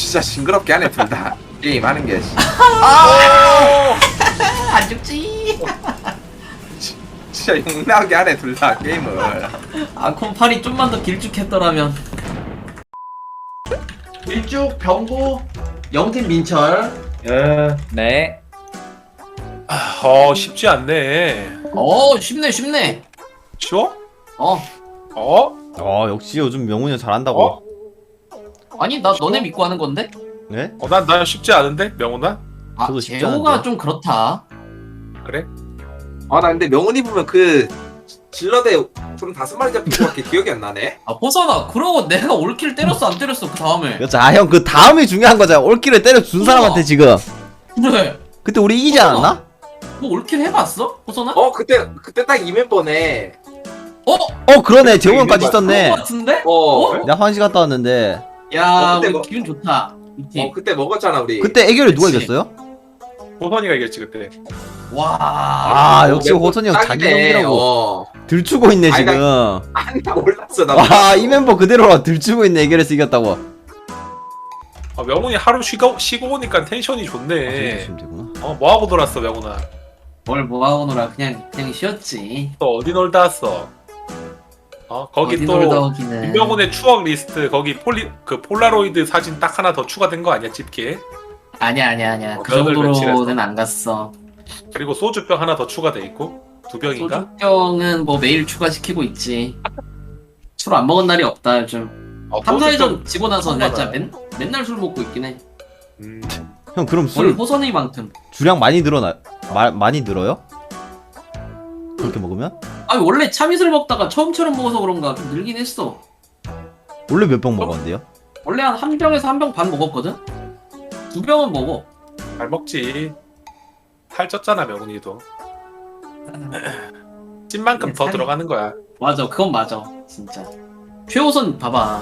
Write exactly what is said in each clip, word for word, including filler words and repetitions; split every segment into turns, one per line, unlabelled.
진짜 징그럽게 하네 둘 다. 게임 하는 게.
안 죽지.
진짜 욕나게 하네 둘 다 게임을.
아 콤팔이 좀만 더 길쭉했더라면. 일쭉 병고 영팀 민철.
예.
네.
어 쉽지 않네.
어 쉽네 쉽네.
쉬워?
어
어?
어 역시 요즘 명훈이 형 잘한다고.
어?
아니 나 너네 믿고 하는 건데?
네?
어, 난, 난 쉽지 않은데? 명훈아?
아
저도 쉽지
재호가
않은데요?
좀 그렇다.
그래?
아 나 근데 명훈이 보면 그 질러대 좀 다섯 마리 잡힌 거밖에 기억이 안 나네.
아 호선아 그러고 내가 올킬 때렸어 안 때렸어 그 다음에.
여자 아 형 그 다음이 중요한 거잖아. 올킬을 때려 준 사람한테 지금.
그래.
그때 우리 이기지 않았나?
너 올킬 해봤어 호선아?
어 그때 그때 딱 이 멤버네.
어?
어 그러네. 재호형까지
그런
있었네.
거 같은데?
어.
어?
나 화장실 갔다 왔는데
야
어, 그때
우리
뭐-
기분 좋다 이 팀.
어 그때 먹었잖아 우리.
그때 애교를 누가
그치.
이겼어요?
호선이가 이겼지 그때.
와.
아 역시
멤버
호선이 형 자기
딱이네.
형이라고
어.
들추고 있네
아니,
지금.
아니 나 몰랐어 나.
와 이 멤버 그대로 들추고 있네. 애교에서 이겼다고.
아, 명훈이 하루 쉬고, 쉬고 오니까 텐션이
아,
좋네.
지금 되구나.
어, 뭐하고 놀았어 명훈아?
뭘 뭐하고 놀아 그냥 그냥 쉬었지.
또 어디 놀다 왔어? 어 거기
어디
또
놀다 오기는.
김명훈의 추억 리스트 거기 폴리 그 폴라로이드 사진 딱 하나 더 추가된 거 아니야 집게?
아니야 아니야 아니야
어,
그
면을
정도로는
며칠했어?
안 갔어.
그리고 소주병 하나 더 추가돼 있고 두 병인가?
소주병은 뭐 매일 추가시키고 있지. 술 안 먹은 날이 없다 요즘.
어,
삼, 사회전
소주병
지고 나서
처음
진짜
알아요.
맨, 맨날 술 먹고 있긴 해.
음,
형 그럼
우리
술
호선이만큼.
주량 많이 늘어나 마, 많이 늘어요? 그렇게 먹으면?
아니 원래 참이슬 먹다가 처음처럼 먹어서 그런가 좀 늘긴 했어.
원래 몇 병 먹었는데요?
원래 한 한 병에서 한 병 반 먹었거든? 두 병은 먹어.
잘 먹지. 살쪘잖아 명훈이도. 찐만큼 더
살이-
들어가는 거야.
맞아 그건 맞아 진짜. 최호선 봐봐.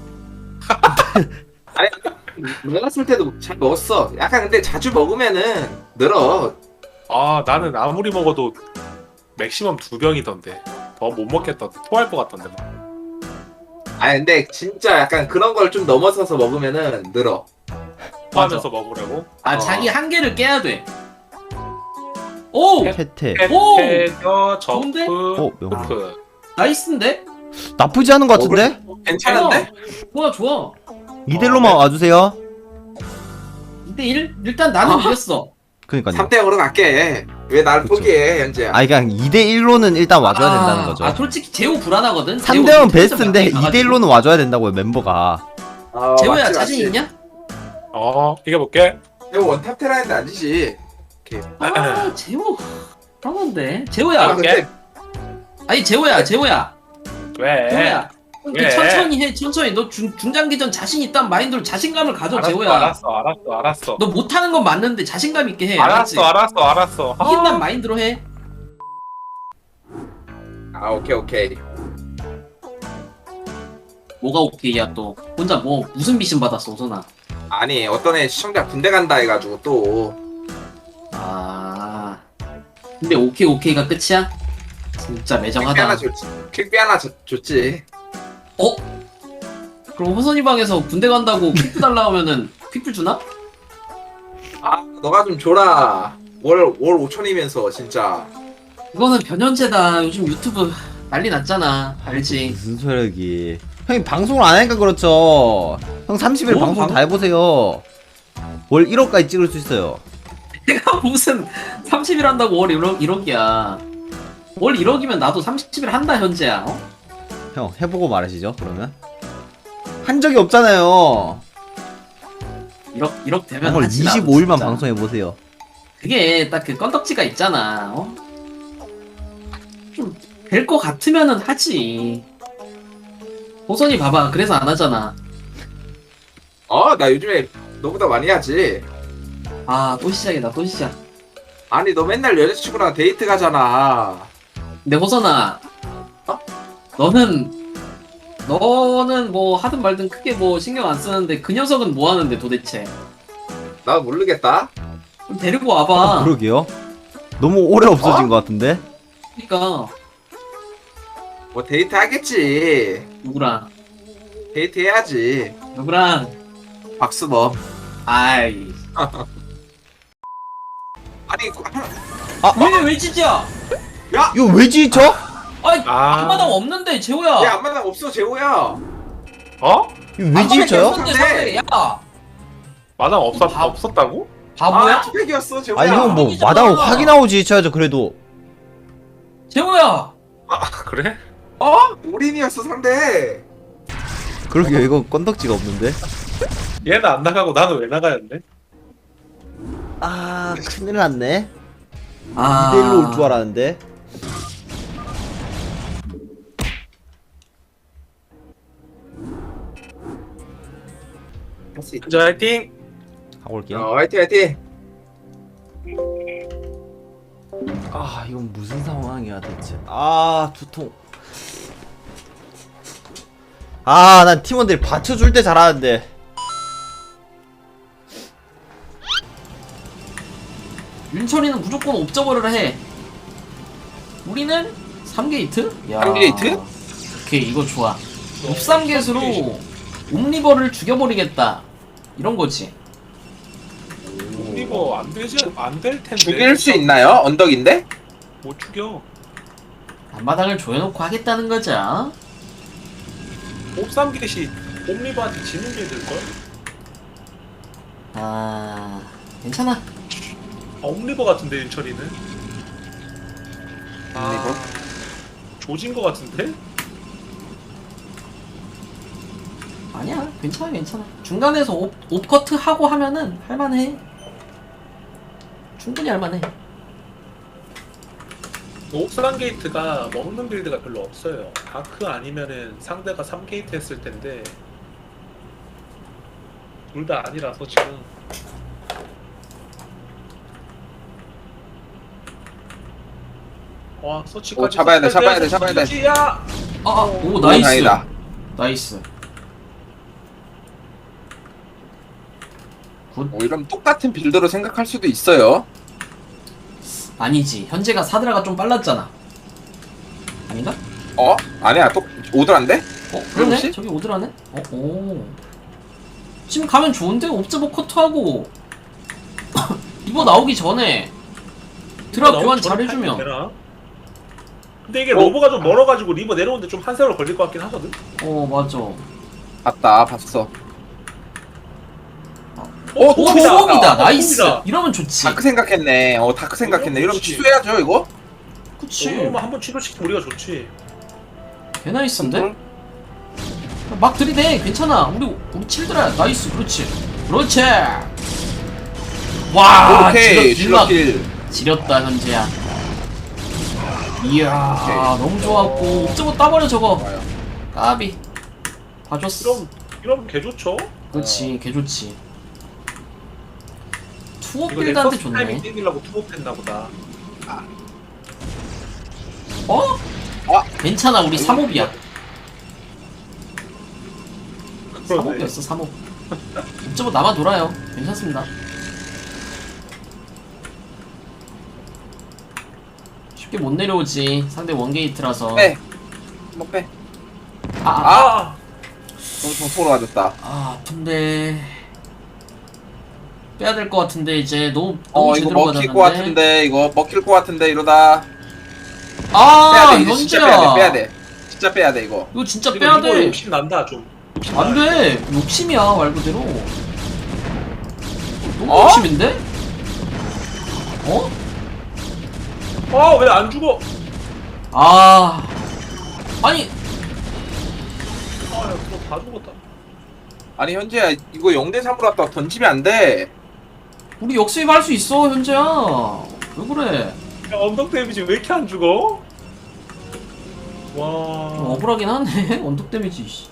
먹었을 때도 잘 먹었어. 약간 근데 자주 먹으면은 늘어.
아 나는 아무리 먹어도 맥시멈 두 병이던데 더 못 먹겠던데 토할 것 같던데 막.
아 근데 진짜 약간 그런 걸 좀 넘어서서 먹으면은 늘어.
토하면서 먹으라고.
아
어.
자기 한계를 깨야 돼. 오!
태태.
오!
페페더
좋은데?
저프
어 명훈.
프
나이스인데?
나쁘지 않은 것 같은데?
괜찮은데?
좋아 좋아.
이대로만 와주세요.
이 대 일? 일단 나는
아.
이겼어.
그니까요.
삼 대 영으로 갈게. 왜 나를
그쵸.
포기해 현재야.
아니 그냥 이 대 일로는 일단 와줘야
아,
된다는 거죠.
아 솔직히 재호 불안하거든?
삼 대
재호
영은
진짜
베스트인데
많이
이 대
가가지고.
일로는 와줘야 된다고요 멤버가.
아,
재호야
맞지,
자신
맞지.
있냐?
어 이겨볼게.
재호 원탑 테라인데 안 지지.
아 재호 불안한데? 재호야
아 근데
아니 재호야 재호야
왜?
재호야 이렇게
왜?
천천히 해 천천히. 너 중, 중장기전 자신 있다는 마인드로 자신감을 가져.
알았어,
재호야
알았어 알았어 알았어.
너 못하는 건 맞는데 자신감 있게 해. 알았지?
알았어 알았어 알았어.
이긴다는 마인드로 해.
아 오케이 오케이.
뭐가 오케이야 또 혼자 뭐 무슨 미션 받았어 오선아.
아니 어떤 애 시청자 군대 간다 해가지고 또.
아 근데 오케이 오케이가 끝이야? 진짜
퀵비 하나
매정하다.
줬지. 퀵비 하나 줬- 줬지.
어? 그럼 호선이 방에서 군대 간다고 퀵뷰 달라 하면은 퀵뷰 주나?
아 너가 좀 줘라. 월 월 오천이면서 진짜.
이거는 변현재다. 요즘 유튜브 난리 났잖아. 알지?
무슨 소리기. 형이 방송을 안 하니까 그렇죠. 형 삼십 일
뭐
방송
방-
다 해보세요. 월 일억까지 찍을 수 있어요.
내가 무슨 삼십 일 한다고 월 일억, 일억이야. 월 일억이면 나도 삼십 일 한다 현재야. 어?
형 해보고 말하시죠 그러면. 한 적이 없잖아요.
일억, 일억 되면
형
하지, 나도
이십오 일만
진짜.
방송해보세요.
그게 딱 그 건덕지가 있잖아. 어? 좀 될 것 같으면은 하지. 호선이 봐봐. 그래서 안 하잖아.
어 나 요즘에 너보다 많이 하지.
아 또 시작이다. 또 시작.
아니 너 맨날 여자친구랑 데이트 가잖아.
근데 호선아,
어?
너는 너는 뭐 하든 말든 크게 뭐 신경 안 쓰는데 그 녀석은 뭐 하는데 도대체?
나 모르겠다.
좀 데리고 와봐.
아, 그러게요. 너무 오래 없어진
어?
것 같은데.
그러니까
뭐 데이트 하겠지.
누구랑
데이트 해야지.
누구랑
박수 뭐.
아이.
아니 그-
왜, 왜 찢어?
이거 왜 지쳐?
아이,
아.
앞마당 없는데, 재호야.
얘 앞마당 없어 재호야.
어?
이거 왜 지쳐요?
없는데, 상대. 야,
마당 없었
바-
없었다고?
바보야?
아 투팩이었어 재호야.
아니 형 뭐
이기잖아.
마당을 확인하고 지쳐야죠 그래도.
재호야.
아 그래?
어? 올인이었어 상대.
그러게요 이거 건덕지가 없는데.
얘는 안 나가고 나는 왜 나가였네?
아 큰일 났네.
아.
이 대일로 올 줄 알았는데.
할수 있다.
자 화이팅!
하고 올게요.
어 화이팅 화이팅.
아 이건 무슨 상황이야 대체. 아 두통. 아 난 팀원들이 받쳐줄 때 잘하는데.
윤철이는 무조건 옵저버를 해. 우리는 삼 게이트? 야.
삼 게이트?
오케이, 이거 좋아. 옵삼 게이트로 옴리버를 죽여버리겠다. 이런 거지.
이거 안 되지 안 될 텐데.
죽일 수 있나요? 언덕인데?
못 죽여.
앞마당을 조여놓고 하겠다는 거죠.
옵삼겟이 옴리버한테 지는 게 될걸?
아, 괜찮아.
아, 옴리버 같은데 윤철이는? 아,
옴리버?
조진 거 같은데?
아니야, 괜찮아, 괜찮아. 중간에서 옵, 옵커트 하고 하면은 할만해. 충분히 할만해.
옥상 게이트가 먹는 빌드가 별로 없어요. 다크 아니면은 상대가 삼 게이트 했을 텐데 둘 다 아니라서 지금. 와 서치까지.
오, 잡아야 돼, 잡아야 돼,
서치,
잡아야 돼.
서치야!
아, 아, 오,
오,
나이스.
다행이다.
나이스. 굿.
뭐 이런 똑같은 빌드로 생각할 수도 있어요.
아니지. 현재가 사드라가 좀 빨랐잖아. 아닌가?
어? 아니야 또 오더란데?
어, 그러네?
혹시?
저기 오드라네? 어, 오. 지금 가면 좋은데? 옵저버 커트하고 이거 나오기 전에 드랍
리버
교환
나오면 저렇게
잘해주면
하면 되나? 근데 이게
어?
로버가 좀 멀어가지고 리버 내려오는데 좀 한 세월 걸릴 것 같긴 하거든?
어, 맞아.
봤다 봤어.
오,
어,
오,
톱이다.
투업이다.
아,
나이스.
톱이다.
이러면 좋지.
다크 생각했네. 어 다크 생각했네. 이러면
그렇지.
취소해야죠 이거.
그치.
그러면 한번 취소시키면 우리가 좋지.
개 나이스인데?
응?
막 들이대. 괜찮아. 우리, 우리 칠드라. 나이스. 그렇지. 그렇지. 와,
오케이
지렸,
질러킬.
지렸다, 현재야. 이야,
오케이.
너무 좋았고. 옵저버 따버려, 저거.
좋아요.
까비. 봐줬어.
이러면 이러면 개 좋죠?
그렇지, 개 좋지. 투어
이거
빌드한테
넥서스 타이밍
좋네.
땡기려고 투업했나 보다.
어?
아.
괜찮아, 우리 삼 옵이야. 삼
그러네.
옵이었어, 삼 옵. 옵저버 남아 돌아요. 괜찮습니다. 쉽게 못 내려오지. 상대 원게이트라서.
빼. 한번 빼.
아, 아,
아.
아,
너무 정통으로 맞았다.
아, 아픈데. 빼야 될 것 같은데, 이제. 너무, 너무
어 이거
제대로
먹힐
맞았는데.
것 같은데 이거 먹힐 것 같은데 이러다
아,
빼야 돼. 이제 진짜 빼야 돼.
현재야.
빼야 돼. 진짜 빼야 돼 이거.
이거 진짜
이거
빼야
리버
돼.
욕심 난다 좀. 욕심
안
나.
돼. 욕심이야, 말 그대로. 너무
어?
욕심인데? 어?
아, 왜 안 죽어?
아. 아니,
아, 야, 그거 다 죽었다.
아니 현재야 이거 영 대 삼으로 왔다가 던지면 안 돼.
우리 역수입 할 수 있어, 현재야. 왜 그래?
야, 언덕 데미지 왜 이렇게 안 죽어? 와.
좀 억울하긴 하네, 원톱 데미지. 씨.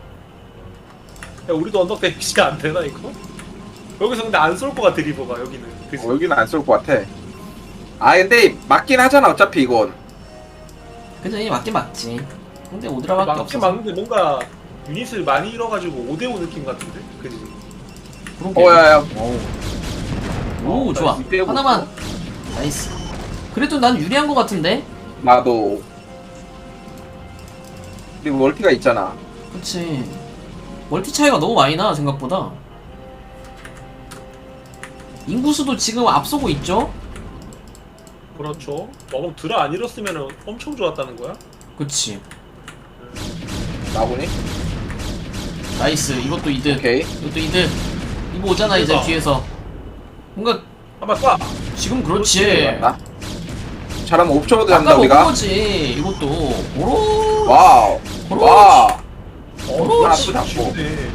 야, 우리도 언덕 데미지 안 되나 이거? 여기서 근데 안 쏠 것 같아 리버가 여기는. 그치?
어, 여기는 안 쏠 것 같아. 아 근데 맞긴 하잖아 어차피 이건.
그죠, 이 맞긴 맞지. 근데 오드라밖에
막긴
없어서.
막는데 뭔가 유닛을 많이 잃어가지고 오 대 오 느낌 같은데? 그지?
그러게.
어야야.
오,
어,
좋아.
나 빼고
하나만. 나이스. 그래도 난 유리한 것 같은데?
나도. 그리고 멀티가 있잖아.
그치. 멀티 차이가 너무 많이 나, 생각보다. 인구수도 지금 앞서고 있죠?
그렇죠. 어, 그럼 드라 안 잃었으면 엄청 좋았다는 거야?
그치.
나보니?
나이스. 이것도 이득.
오케이.
이것도 이득. 이거 오잖아 이제
그러니까.
뒤에서. 뭔가
한번 쏴.
지금 그렇지.
맞나? 잘하면 오 초도
아까
잡는다
먹은
우리가.
거지. 이것도. 오로.
와우.
그렇지.
와.
어,
그렇지.
진짜 쉽네.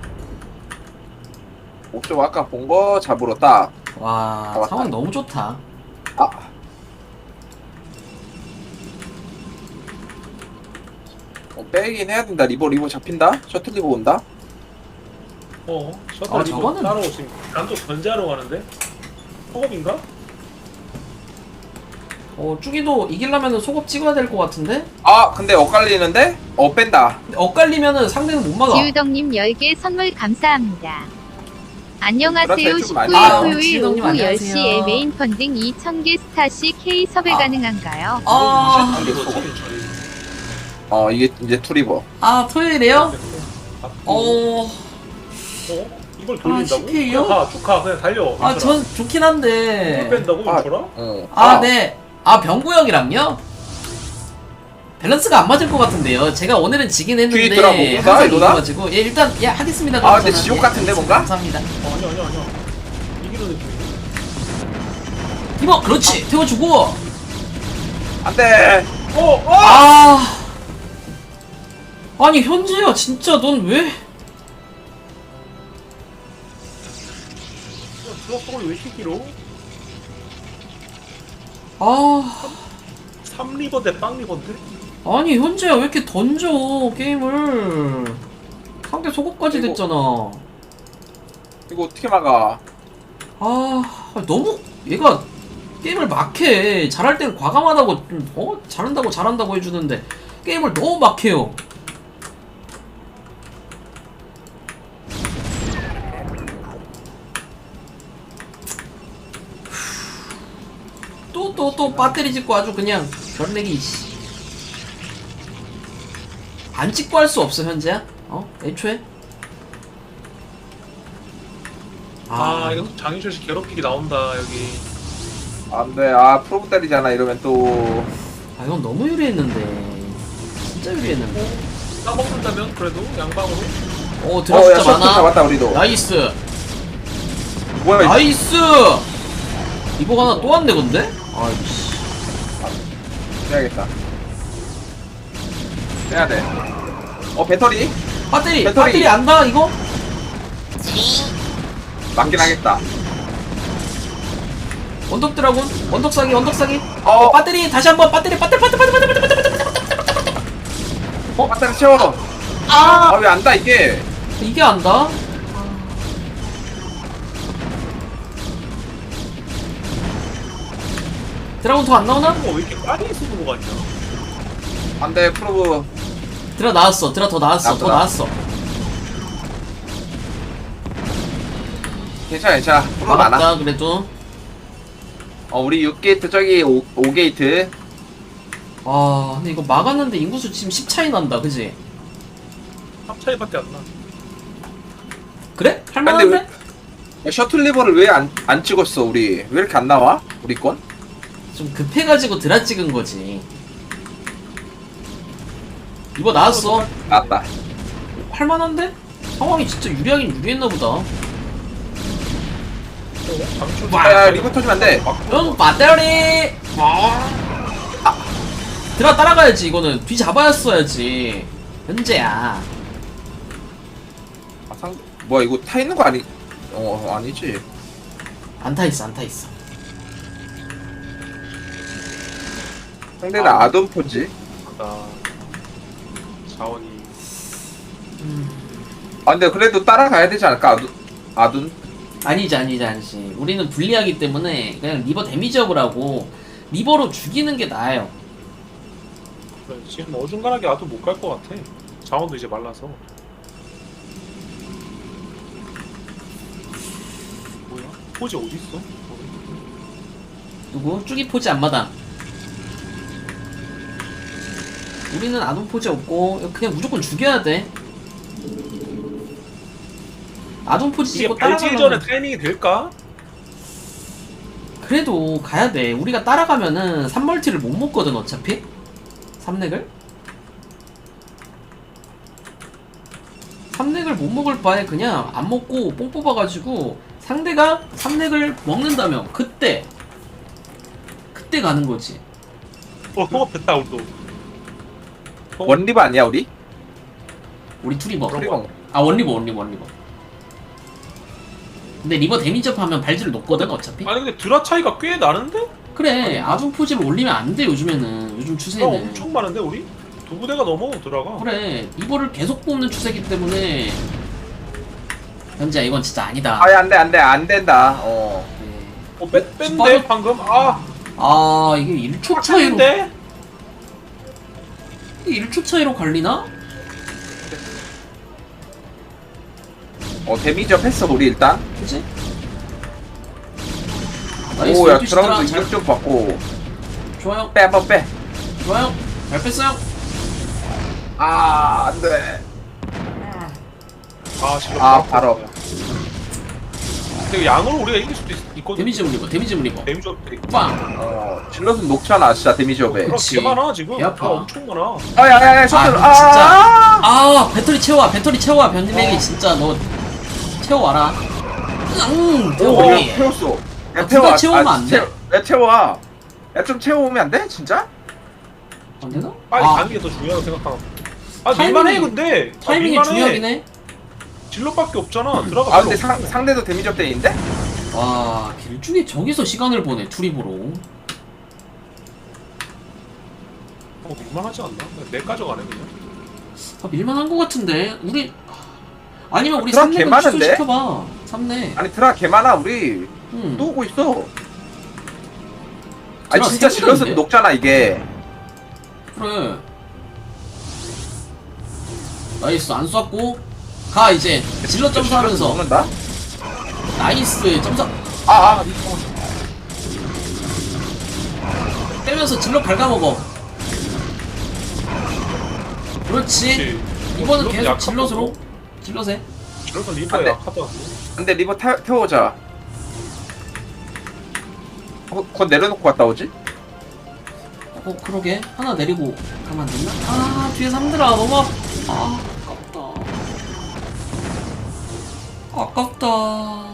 오 초 아까 본 거 잡으러 딱.
와
잡았다.
상황 너무 좋다.
아. 어, 빼긴 해야 된다. 리버 리버 잡힌다. 셔틀 리버 온다.
어, 셔틀
아,
이거
저거는-
따로 지금 난또 견제하러 가는데? 허겁인가?
어 쭈기도 이기려면 소급 찍어야 될 것 같은데?
아 근데 엇갈리는데? 어 뺀다.
근데 엇갈리면은 상대는 못 막아.
지우덕님 열 개 선물 감사합니다. 안녕하세요.
그렇다, 좀 많이
십구 일
해요.
토요일
지우덕님
오후
안녕하세요.
열 시에 메인 펀딩 이천 개 스타시 K 섭외
아.
가능한가요?
아,
이거
이거
저기
어 이게 이제 투리버.
아 토요일에요?
어?
어,
어? 이걸 돌린다고?
아, 십케이요?
그냥 가, 쭉 가, 그냥 달려.
아 전 좋긴
이걸
한데.
뺀다고?
아.
인철아?
어.
아 네. 아 병구 형이랑요? 밸런스가 안 맞을 것 같은데요. 제가 오늘은 지긴
뒤에
했는데
돌아 먹는다,
항상
이러다?
이겨가지고 예 일단 예 하겠습니다.
아,
그럼
근데
저는.
지옥
예,
같은데, 뭔가?
감사합니다.
어, 아니야, 아니야, 아니야. 이기는 느낌.
이거 그렇지 태워주고.
안돼.
어! 어!
아 아니 현재야 진짜 넌 왜?
드랍볼이 왜 이렇게 길어?
아
삼 리버 대 빵 리버인데?
아니 현재야 왜 이렇게 던져 게임을. 상대 속옷까지
이거-
됐잖아.
이거 어떻게 막아?
아 너무 얘가 게임을 막해. 잘할 땐 과감하다고 좀, 어 잘한다고 잘한다고 해주는데 게임을 너무 막해요. 또 또 또 배터리 찍고 아주 그냥 별내기. 씨. 안 찍고 할 수 없어 현재야? 어 애초에?
아, 이거 또 장윤철 씨 괴롭히기 나온다, 여기.
안돼. 아 프로브 때리잖아 이러면 또.
아 이건 너무 유리했는데 진짜 유리했는데.
까먹는다면 그래도 양방으로.
어 드랍
어야
진짜
셔틀
많아.
잡았다 우리도.
나이스
뭐야 이거?
나이스. 이거 하나 또 왔네 근데? 아이씨.
해야겠다. 해야 돼. 어 배터리
배터리
배터리.
배터리 안다 이거?
맞긴 하겠다.
원덕 드라군 원덕 사기 원덕 사기.
어
배터리 다시 한번 배터리 배터리 배터리 배터리 배터리 배터리 배터리 배터리.
어 배터리 채워.
아
아왜 안다 이게?
이게 안다? 드라군 더 안 나오나?
어, 왜 이렇게 빨리 쓰는 거 같냐?
안돼 프로브.
드라 나왔어 드라 더 나왔어 더
나왔구나.
나왔어.
괜찮아 괜찮아. 프로브 많아.
막았다 그래도.
어 우리 육 게이트 저기 오, 오 게이트.
아 근데 이거 막았는데 인구수 지금 십 차이 난다 그지?
삼 차이밖에 안 나.
그래?
근데
할만한데?
왜 셔틀 리버를 왜 안 안 찍었어 우리? 왜 이렇게 안 나와? 우리 건?
좀 급해가지고 드라 찍은 거지. 이거 나왔어.
나왔다.
할만한데? 상황이 진짜 유리하긴 유리했나 보다.
어? 장윤철
와,
야 리버 터지면 안 돼.
응, 배터리! 아. 드라 따라가야지, 이거는. 뒤 잡아야어야지. 현재야.
아, 상 뭐야 이거 타 있는 거 아니? 어 아니지.
안 타 있어, 안 타 있어.
상대는
아.
아돈포지.
나 자원이.
음.
아 근데 그래도 따라가야 되지 않을까? 아둔? 아둔?
아니지, 아니지, 아니지. 우리는 불리하기 때문에 그냥 리버 데미지업을 하고 리버로 죽이는 게 나아요.
그래, 지금 어중간하게 아도 못 갈 것 같아. 자원도 이제 말라서. 뭐야? 포지 어디 있어?
누구? 쭈기 포지 앞마당. 우리는 아동 포지 없고 그냥 무조건 죽여야 돼. 아동 포지
이게
찍고
발질 전에
따라가면
타이밍이 될까?
그래도 가야 돼. 우리가 따라가면은 삼 멀티를 못 먹거든 어차피. 삼 렉을. 삼 렉을 못 먹을 바에 그냥 안 먹고 뽕 뽑아가지고 상대가 삼 렉을 먹는다면 그때 그때 가는 거지.
어 됐다 우리도.
원리버 아니야 우리?
우리 투리버.
투리버.
아 원리버 원리버 원리버. 근데 리버 데미지업 하면 발질 높거든 어차피.
아니 근데 드라 차이가 꽤 나는데?
그래 아중 포지를 올리면 안 돼 요즘에는. 요즘
드라
추세는.
엄청 많은데 우리? 두 부대가 넘어 드라가.
그래 리버를 계속 뽑는 추세기 때문에 현재야 이건 진짜 아니다.
아예 안돼 안돼 안 된다. 어.
네.
어 뺀, 뺀데
빠져-
방금? 아
아 이게 일 초 차이로
차인데?
이게 일 초 차이로 갈리나?
어 데미지업 했어 우리 일단.
그치? 나이스
오야
열두 시 드라.
드라운드
잘-
이격 좀 받고.
좋아요
빼 한번 빼.
좋아요 잘 뺐어요.
아 안돼.
아 지금
아 바로.
근데 양으로 우리가 이길 수도 있, 있거든.
데미지 올리버 데미지 올리버
데미지 업들이.
빵.
어 질럿은 녹잖아 진짜 데미지업에.
드라
그렇지.
개 많아 지금.
개 아파.
아, 엄청 많아.
아야야야 셔틀.
아,
아,
진짜. 아 배터리 채워와 배터리 채워와 변질레기 진짜 너 채워와라. 응
오,
태워버리.
야, 태웠어.
아,
야,
누가 채우면 안 돼?
채워- 야, 채워. 야, 좀 채워오면 안 돼? 진짜?
안 되나?
빨리
아,
가는 게 더 중요하다고 생각하나. 아
타이밍이-
밀만해 근데. 아,
타이밍이
밀만해.
중요하긴 해.
질럿밖에 없잖아. 드라가
아,
별로
근데
없어.
상, 상대도 데미지업 대인데?
와 길쭉이 저기서 시간을 보내 투리보로.
어 밀만하지 않나? 내 가져가네 그냥.
아, 밀만한 거 같은데 우리 아니면 우리
드라
삼
개
렉을
많은데?
취소시켜봐. 삼 렉.
아니, 드라 개 많아, 우리.
응.
또 오고 있어. 아니,
드라
진짜
세
질럿은
분인데?
녹잖아, 이게.
그래. 나이스 안 쐈고 가 이제 질러 점수하면서
녹는다?
나이스 점수
아, 아.
빼면서 질러 갉아먹어. 그렇지. 이번은 계속 질럿으로 질럿에.
질럿은
안
리버에
돼.
약하다.
근데 리버 태, 태워오자. 어, 그거 내려놓고 갔다 오지?
어 그러게 하나 내리고 가면 안 됐나? 아 뒤에 삼들아 너무 아, 아 아깝다. 아깝다.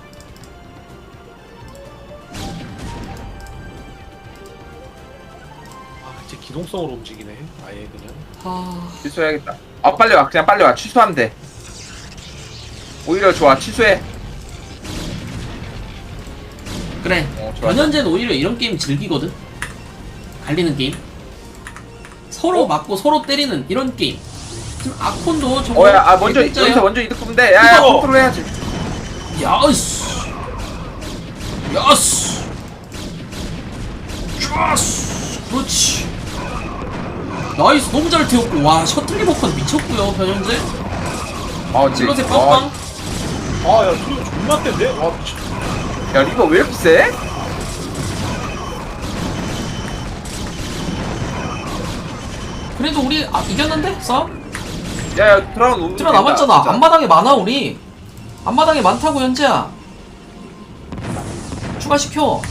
아 이제 기동성으로 움직이네. 아예 그냥.
아
취소해야겠다. 아, 빨리 와. 그냥 빨리 와. 취소하면 돼. 오히려 좋아. 취소해.
그래.
어, 좋아.
변현재는 오히려 이런 게임 즐기거든. 갈리는 게임. 서로
어?
맞고 서로 때리는 이런 게임. 지금 아콘도 저거
어, 야, 아, 먼저,
개꿀자야.
여기서 먼저 이득 보면 돼. 야, 야,
이거!
컨트롤 해야지.
야스 야스 야스 그렇지. 나이스 너무 잘 태웠고 와 셔틀 리버컨 미쳤고요 변현재.
아,
질럿에
아,
빵빵.
아야 소리 존나 센데? 와 미친.
야, 리버 왜 이렇게 세?
그래도 우리 아, 이겼는데 싸움?
야, 야, 드라운 오면
들어
된다,
남았잖아.
진짜.
앞마당에 많아 우리. 앞마당에 많다고 현재야. 추가시켜.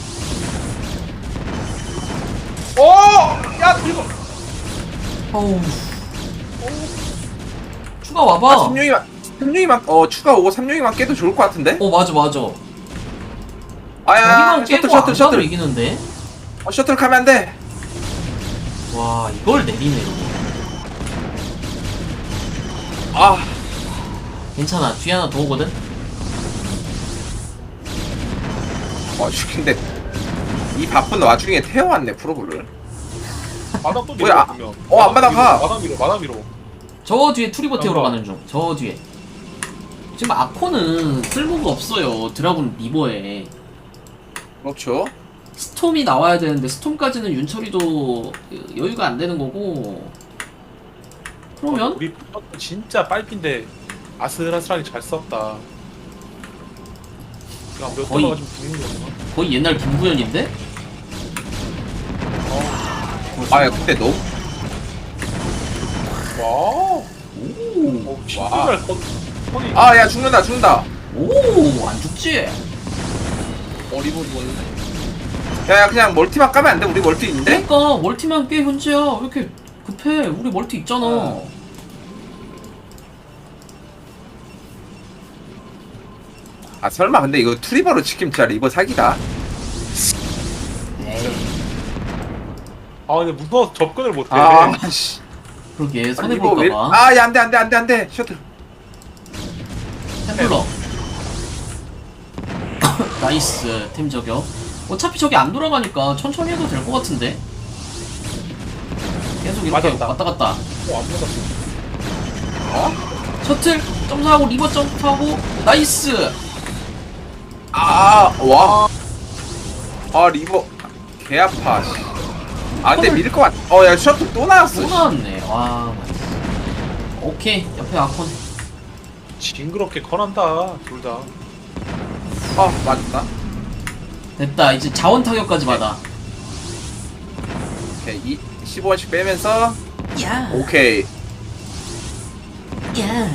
오! 야, 리버.
어우. 추가 와봐.
아, 삼룡이만, 삼룡이만, 어, 추가 오고 삼룡이만 깨도 좋을 것 같은데?
어 맞아 맞아.
아야,
여기만 깨고
셔틀,
안
셔틀,
가도
셔틀.
이기는데.
어, 셔틀 가면 안 돼.
와 이걸 내리네.
아,
괜찮아. 뒤에 하나 더 오거든.
어, 씨, 근데 이 바쁜 와중에 태워왔네 프로브를.
마당 또
뭐야?
밀어 보면.
어, 안 마당 가.
마당 밀어 마당 밀어.
저 뒤에 투리버 태우러
잠깐만.
가는 중. 저 뒤에. 지금 아코는 쓸모가 없어요. 드라군 리버에.
그렇죠.
스톰이 나와야 되는데 스톰까지는 윤철이도 여유가 안 되는 거고. 그러면
우리 진짜 빨핀데 아슬아슬하게 잘 썼다. 그냥 몇
거의-
도가 좀 죽는 거구나.
거의 옛날 김구현인데?
아, 야, 근데 너무
와우.
오,
어, 진짜
와.
잘 컸. 턴이.
아, 야, 죽는다, 죽는다.
오, 안 죽지?
어, 리버 죽었는데. 야, 야 그냥 멀티만 까면 안 돼? 우리 멀티 있는데?
그러니까 멀티만 깨 현재야. 왜 이렇게 급해? 우리 멀티 있잖아.
어. 아 설마 근데 이거 투리버로 지키면 진짜 리버 사기다.
에이,
아 근데 무서워서 접근을 못해.
아 씨.
그러게
아니, 리버 왜?
손해볼까봐.
아야 안돼 안돼 안돼 안돼 셔틀.
템플러. 나이스 템 저격. 어차피 저기 안 돌아가니까 천천히 해도 될 것 같은데. 계속 이렇게
맞았다.
왔다 갔다.
어, 안 맞았어.
어?
셔틀 점프하고 리버 점프하고 나이스.
아 와. 아 리버 개 아파. 씨. 아 근데 밀 것 같. 어야 셔틀 또 나왔어.
또 나왔네. 와. 오케이 옆에 아콘.
징그럽게 커난다 둘 다.
어 맞다.
됐다. 이제 자원 타격까지 받아.
오케이 이 십오 원씩 빼면서
야.
오케이.
야.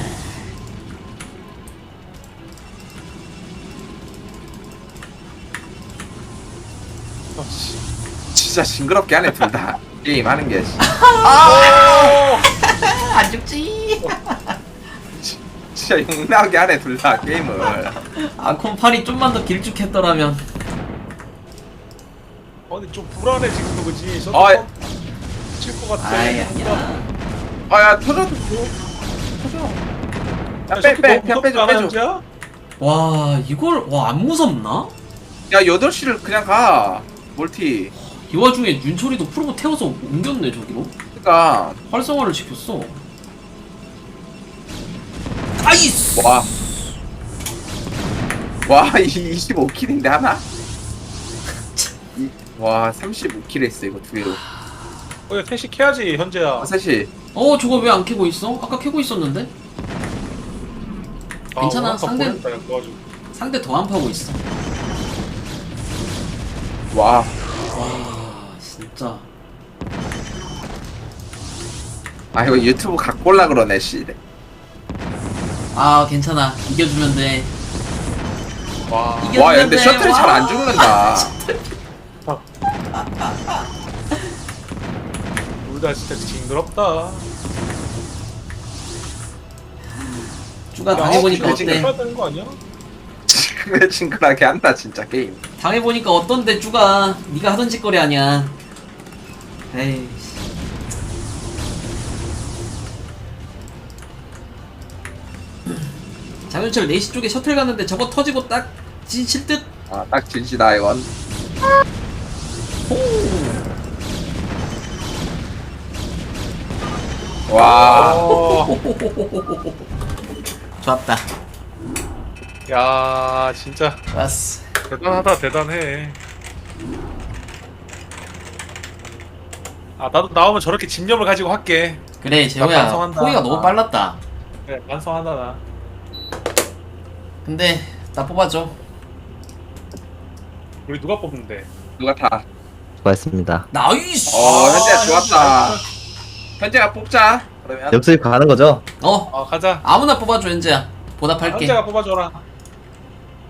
아, 씨.
진짜 징그럽게 하네 둘 다. 게임 하는 게. 씨.
안 죽지.
진짜 욕나게 하네 둘 다 게임을.
아콘 팔이 좀만 더 길쭉했더라면.
아 근데 좀 불안해 지금도 그지. 셔틀
어이.
칠것 같아.
아이 아니야.
아야 터져. 터져. 야빼빼 그냥 빼줘 빼줘.
와 이걸 와 안 무섭나?
야 여덟 시를 그냥 가. 멀티.
이 와중에 윤철이도 프로보 태워서 옮겼네 저기로.
그니까
활성화를 시켰어. 나이스.
와. 와, 이 이십오 킬인데 하나? 이, 와, 삼십오 킬 했어 이거 두 개로.
어, 야, 태식 해야지 현재야.
아, 사실
어 저거 왜 안 캐고 있어? 아까 캐고 있었는데?
아,
괜찮아,
아까
상대-
보냈다, 야, 도와주고.
상대 더 안 파고 있어.
와,
와 진짜.
아 이거 유튜브 갖고 올라 그러네 씨.
아 괜찮아 이겨주면 돼.
와.
이게-
와, 야, 근데
이겼는데,
셔틀이 잘 안
와.
죽는다.
둘 다 진짜 징그럽다.
쭈가 당해보니까
아,
어때?
해야 되는 거 아니야?
왜 징그하게 한다 진짜 게임.
당해보니까 어떤데 쭈가? 네가 하던 짓거리 아니야. 에이. 장윤철 네 시 쪽에 셔틀 갔는데 저거 터지고 딱 진실 듯.
아, 딱 진시다 이건. 와,
어,
좋았다.
야 진짜
좋았어.
대단하다 대단해. 아 나도 나오면 저렇게 집념을 가지고 할게.
그래 재호야
반성한다.
포기가 너무 빨랐다.
그래 반성한다 나.
근데 나 뽑아줘.
우리 누가 뽑는데?
누가 다.
수고하셨습니다.
나이스.
어, 현재야 좋았다. 현재가 뽑자. 그러면
역수입 가는 거죠?
어
아 가자.
아무나 뽑아줘 현재야. 보답할게.
현재가 뽑아줘라.